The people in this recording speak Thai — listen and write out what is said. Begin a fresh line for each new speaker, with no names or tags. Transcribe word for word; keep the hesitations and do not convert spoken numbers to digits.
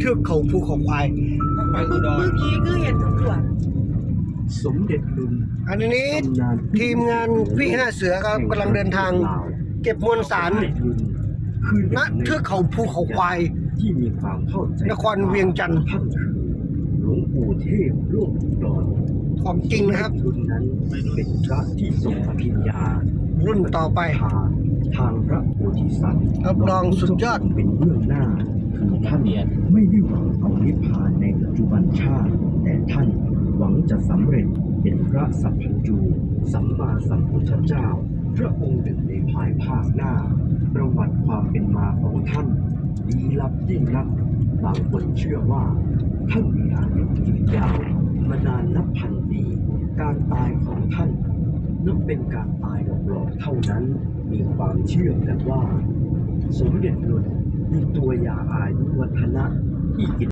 ทือกเขาภูเขาควาย
เมื่อกี้คือเห็นตำรวจ
สมเด็จลุน
อันนี้ทีมงานวิห้าเสือครับกำลังเดินทาง เก็บมวลสาร
คือ
ณเทือกเขาภูเขาควาย
ที่มีความเข้าใจ
นครเวียงจันทร์
ท่านคือหลวงปู่เทพโลกอุดร
ของจริงนะครับ
ลุนนั้นเป็นพระที่ทรงอภิญญา
รุ่นต่อไป
ทางทางพระโพธิสัตว์
รับรองสุดยอด
เป็นเบื้องหน้าคือท่านไม่ได้หวังเอานิพพานในปัจจุบันชาติ แต่ท่านหวังจะสำเร็จเป็นพระสัพพัญญูสัมมาสัมพุทธเจ้า พระองค์หนึ่งในภายภาคหน้า ประวัติความเป็นมาของท่านลี้ลับยิ่งนักบางคนเชื่อว่า ท่านมีอายุยืนยาวมานานนับพันปีการตายของท่านนับเป็นการตายหลอกๆเท่านั้นมีความเชื่อกันว่า สมเด็จลุนมีตัวยาอายุวัฒนะที่กิน